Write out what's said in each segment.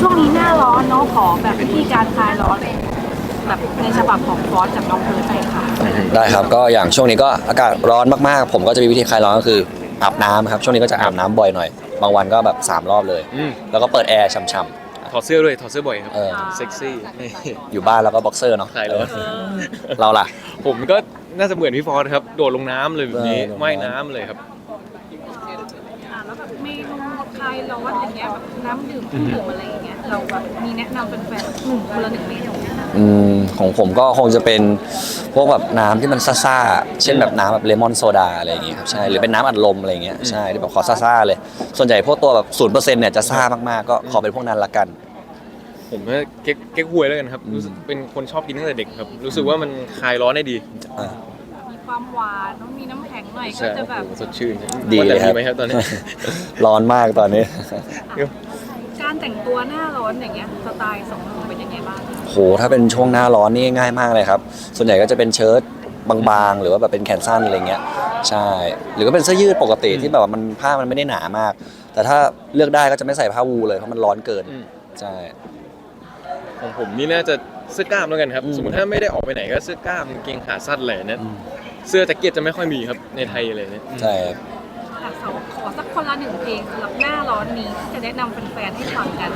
ช่วงนี้หน้าร้อนเนาะขอแบบวิธีการคลายร้อนแบบในฉบับของฟอสจากน้องเพิร์ดไปค่ะได้ครับก็อย่างช่วงนี้ก็อากาศร้อนมากๆผมก็จะมีวิธีคลายร้อนก็คืออาบน้ำครับช่วงนี้ก็จะอาบน้ำบ่อยหน่อยบางวันก็แบบ3รอบเลยแล้วก็เปิดแอร์ช่ำถอดเสื้อด้วยถอดเสื้อบ่อยครับๆเซ็กซี่ๆอยู่บ้านแล้วก็บ็อกเซอร์เนาะคลายร้อนเราล่ะผมก็น่าจะเหมือนพี่ฟอสครับโดดลงน้ำเลยแบบนี้ลงน้ำว่ายน้ำเลยครับแล้วแบบเมนูคลายร้อนอย่างเงี้ยแบบน้ำดื่มเครื่องดื่มอะไรอย่างเงี้ยเราแบบมีแนะนำเป็นแฟนๆคนละ1 เมนูของผมก็คงจะเป็นพวกแบบน้ำที่มันซ่าๆเช่นแบบน้ำแบบเลมอนโซดาอะไรอย่างเงี้ยครับใช่หรือเป็นน้ำอัดลมอะไรอย่างเงี้ยใช่ที่แบบขอซ่าๆเลยส่วนใหญ่พวกตัวแบบ0%เนี่ยจะซ่ามากๆก็ขอเป็นพวกนั้นละกันผมว่าเก๊กฮวยแล้วกันครับรู้สึกเป็นคนชอบกินตั้งแต่เด็กครับ รู้สึกว่ามันคลายร้อนได้ดีมีความหวานต้องมีน้ำแข็งหน่อยก็ใช่จะแบบสดชื่นดีว่าเลแต่ยครับดีไหมครับตอนนี้ร้อนมากตอนนี้การแต่งตัวหน้าร้อนอย่างเงี้ยสไตล์สองหนุ่มเป็นยังไงบ้างคะโหถ้าเป็นช่วงหน้าร้อนนี่ง่ายมากเลยครับส่วนใหญ่ก็จะเป็นเชิ้ตบางๆหรือว่าแบบเป็นแขนสั้นอะไรเงี้ยใช่หรือก็เป็นเสื้อยืดปกติที่แบบว่ามันผ้ามันไม่ได้หนามาก แต่ถ้าเลือกได้ก็จะไม่ใส่ผ้าวูลเลยเพราะมันร้อนเกินใช่ของผมนี่น่าจะเสื้อกล้ามแล้วกันครับอืมสมมติถ้าไม่ได้ออกไปไหนก็เสื้อกล้ามกางเกงขาสั้นอะไรเนี่ยเสื้อแจ็คเก็ตจะไม่ค่อยมีครับในไทยเลยเนี่ยใช่ครับขอสักคนละ1 เพลงสำหรับหน้าร้อนนี้ที่จะแนะนำแฟนๆให้ฟังกัน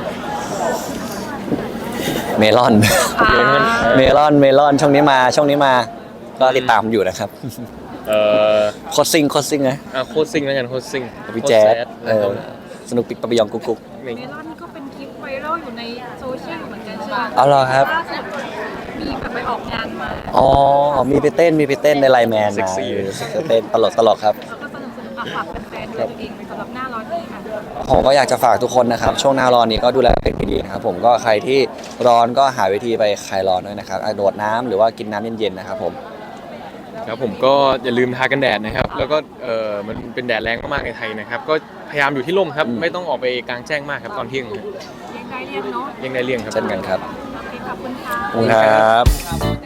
เมลอนอ่าเมลอนช่วงนี้มาก็ติดตามอยู่นะครับเอ่อโคตรซิงนะโคตรซิงแล้วกันโคตรซิงพี่แจ๊ดแล้วก็สนุกปิกปะปยองกุ๊กเมลอนก็เป็นคลิปไวรัลอยู่ในโซเชียลเหมือนกันใช่ไหมเอาเหรอครับล่าสุดมีแบบไปออกงานมาอ๋อมีไปเต้นในไลน์แมนมาเต้นตลกครับแล้วก็สนุกฝากแฟนๆด้วยตัวเองสำหรับหน้าร้อนนี้ค่ะผมก็อยากจะฝากทุกคนนะครับช่วงหน้าร้อนนี้ก็ดูแลตัวเองดีๆนะครับผมก็ใครที่ร้อนก็หาวิธีไปคลายร้อนด้วยนะครับโดดน้ำหรือว่ากินน้ำเย็นๆนะครับผมครับผมก็อย่าลืมทากันแดดนะครับ แล้วก็มันเป็นแดดแรงมากๆในไทยนะครับ ก็พยายามอยู่ที่ร่มครับ ไม่ต้องออกไปกลางแจ้งมากครับตอนเที่ยงครับเลี้ยงได้เลี้ยงเนาะเลี่ยงได้เลี่ยงครับเช่นกันครับโอเคขอบคุณค่ะขอบคุณครับ